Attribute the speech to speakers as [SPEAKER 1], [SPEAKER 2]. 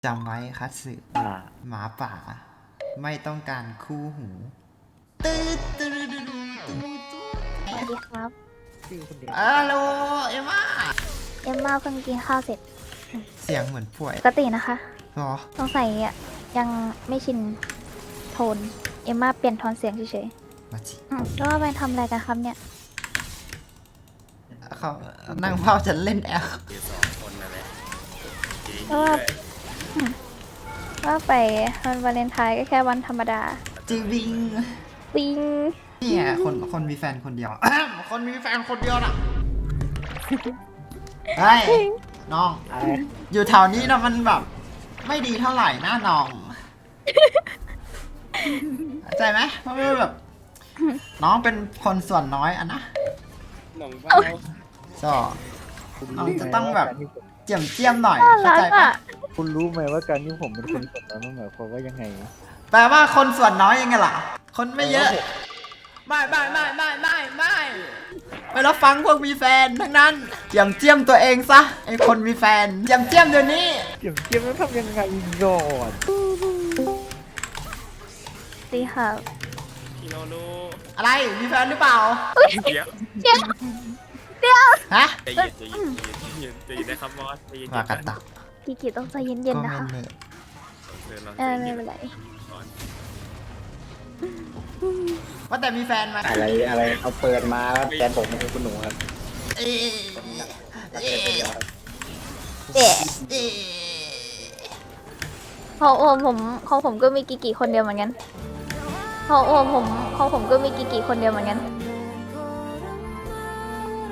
[SPEAKER 1] จำไว้คัตสึหมาป่า ไม่ต้องการคู่หูตืดตืดตืดตืด
[SPEAKER 2] สวัสดีครับ
[SPEAKER 1] ฮัลโหลเอ็มม่า
[SPEAKER 2] เอ็มมาเพิ่งกินข้าวเสร็จ
[SPEAKER 1] เสียงเหมือนป่วย
[SPEAKER 2] ปกตินะคะ
[SPEAKER 1] หรอ
[SPEAKER 2] สงสัยยังไม่ชินโทน เอ็มมาเปลี่ยนโทนเสียงเฉย
[SPEAKER 1] มาจิ
[SPEAKER 2] ๆแล้วว่าไปทำอะไรกันครับเนี่ย
[SPEAKER 1] เขานั่งเฝ้าจะเล่นแอล
[SPEAKER 2] ก็ว่าไปวันวาเลนไทน์ก็แค่วันธรรมดา
[SPEAKER 1] จริงวิง
[SPEAKER 2] ปิง
[SPEAKER 1] เนี่ยคนมีแฟนคนเดียว คนมีแฟนคนเดียวน่ะเฮ้ยน้อง อยู่แถวนี้นะมันแบบ ไม่ดีเท่าไหร่นะน้องเข้าใจไหมเพราะว่าแบบ น้องเป็นคนส่วนน้อยอะนะ
[SPEAKER 3] หนองเบ้า
[SPEAKER 1] ก็น้องจะต้องแบบเจียมหน่อย
[SPEAKER 2] น่า
[SPEAKER 1] เข้า
[SPEAKER 2] รัก
[SPEAKER 1] ใจปะ
[SPEAKER 2] อ่ะ
[SPEAKER 4] คุณรู้ไหมว่าการที่ผมเป็นคนสดนั้นมันหมายความว่ายังไง
[SPEAKER 1] แปลว่าคนส่วนน้อยยังไงล่ะ คนไม่เยอะ ไม่รับฟังพวกมีแฟนทั้งนั้นเจียมตัวเองซะไอคนมีแฟนเจียมเดี๋ยวนี้
[SPEAKER 4] เกี่ยวแล้วทำยังไงก่อน
[SPEAKER 2] ดีค่ะ
[SPEAKER 3] คิโนโน
[SPEAKER 1] อะไรมีแฟนหรือเปล่า
[SPEAKER 3] เดี๋ยว
[SPEAKER 1] ฮะ
[SPEAKER 3] ใจเย็นใจเย็นใจเย็นใจเย็นนะครับมอสใจเย็น
[SPEAKER 1] มากระตัก
[SPEAKER 2] กิกิต้องใจเย็น
[SPEAKER 1] ก็
[SPEAKER 2] ๆ
[SPEAKER 1] ไม่
[SPEAKER 2] นะคะ
[SPEAKER 1] เนิร์ด
[SPEAKER 2] ไม่เป็นไร
[SPEAKER 1] ว่าแต่มีแฟนไหม
[SPEAKER 5] อะไรเอาเปิดมาแล้วแฟนผมคือคุณหนูครับ
[SPEAKER 1] เอ๊ะเอ๊ะ
[SPEAKER 2] เอ๊ะ
[SPEAKER 1] เอ๊ะ
[SPEAKER 2] ของผมก็มีกิกิคนเดียวเหมือนกันของผมก็มีกิกิคนเดียวเหมือนกัน